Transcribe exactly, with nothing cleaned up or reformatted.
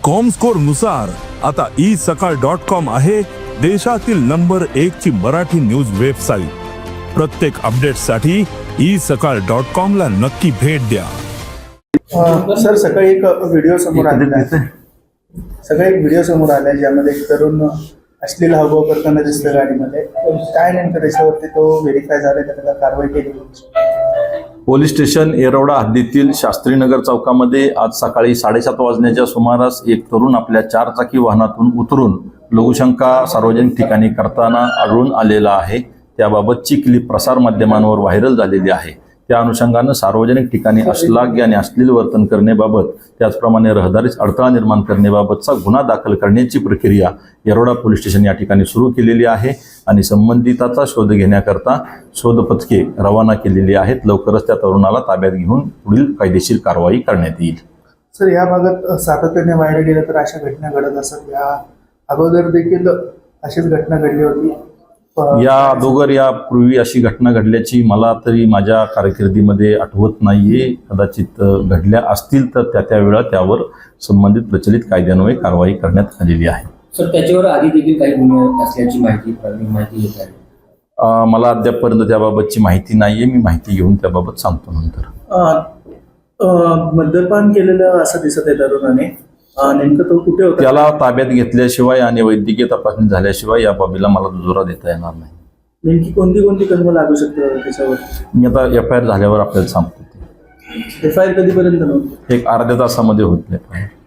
Comscore नुसार आता E सकाळ डॉट कॉम आहे देशातील नंबर एक ची मराठी न्यूज वेबसाईट। प्रत्येक अपडेटसाठी ई सकाळ डॉट कॉम ला नक्की भेट द्या। सर सकाळी एक व्हिडिओ समोर आलेला आहे सकाळी एक व्हिडिओ समोर आलाय ज्यामध्ये एक तरुण अश्लील हावभाव करताना दिसतं गाडीमध्ये। काय नेमकं त्याच्यावरती तो व्हेरीफाय झालाय का त्याला कारवाई केली? पोलीस स्टेशन येरवडा हद्दीतील शास्त्रीनगर चौकामध्ये आज सकाळी साडेसात वाजण्याच्या सुमारास एक तरुण आपल्या चारचाकी वाहनातून उतरून लघुशंका सार्वजनिक ठिकाणी करताना आढळून आलेला आहे। त्याबाबतची क्लिप प्रसार माध्यमांवर व्हायरल झालेली आहे। त्या अनुषंगानं सार्वजनिक ठिकाणी अश्लाघ्य आणि अश्लील वर्तन करण्याबाबत त्याचप्रमाणे रहदारीस अडथळा निर्माण करण्याबाबतचा गुन्हा दाखल करण्याची प्रक्रिया येरवडा पोलीस स्टेशन या ठिकाणी सुरू केलेली आहे आणि संबंधिताचा शोध घेण्याकरता शोध पथके रवाना केलेली आहेत। लवकरच त्या तरुणाला ताब्यात घेऊन पुढील कायदेशीर कारवाई करण्यात येईल। सर या भागात सातत्याने व्हायरल गेलं तर अशा घटना घडत असतात। या अगोदर देखील अशीच घटना घडली होती। या अगोदर यापूर्वी अशी घटना घडल्याची मला तरी माझ्या कारकिर्दीमध्ये आठवत नाहीये। कदाचित घडल्या असतील तर त्या त्या वेळा त्यावर संबंधित प्रचलित कायद्यान्वये कारवाई करण्यात आलेली आहे। सर त्याच्यावर आधी देखील काही गुन्हे असल्याची माहिती माहिती येत आहे। मला अद्यापपर्यंत त्याबाबतची माहिती नाहीये। मी माहिती घेऊन त्याबाबत सांगतो नंतर। मद्यपान केलेलं असं दिसत आहे तरुणाने, नेमकं तो कुठे होता? त्याला ताब्यात घेतल्याशिवाय आणि वैद्यकीय तपासणी झाल्याशिवाय या बाबीला मला दुजोरा देता येणार नाही। नेमकी कोणती कोणती कलम लागू शकतं त्याच्यावर? मी आता एफ आय आर झाल्यावर आपल्याला सांगतो। एफ आय आर कधीपर्यंत नव्हतं? एक अर्ध्या तासामध्ये होत नाही।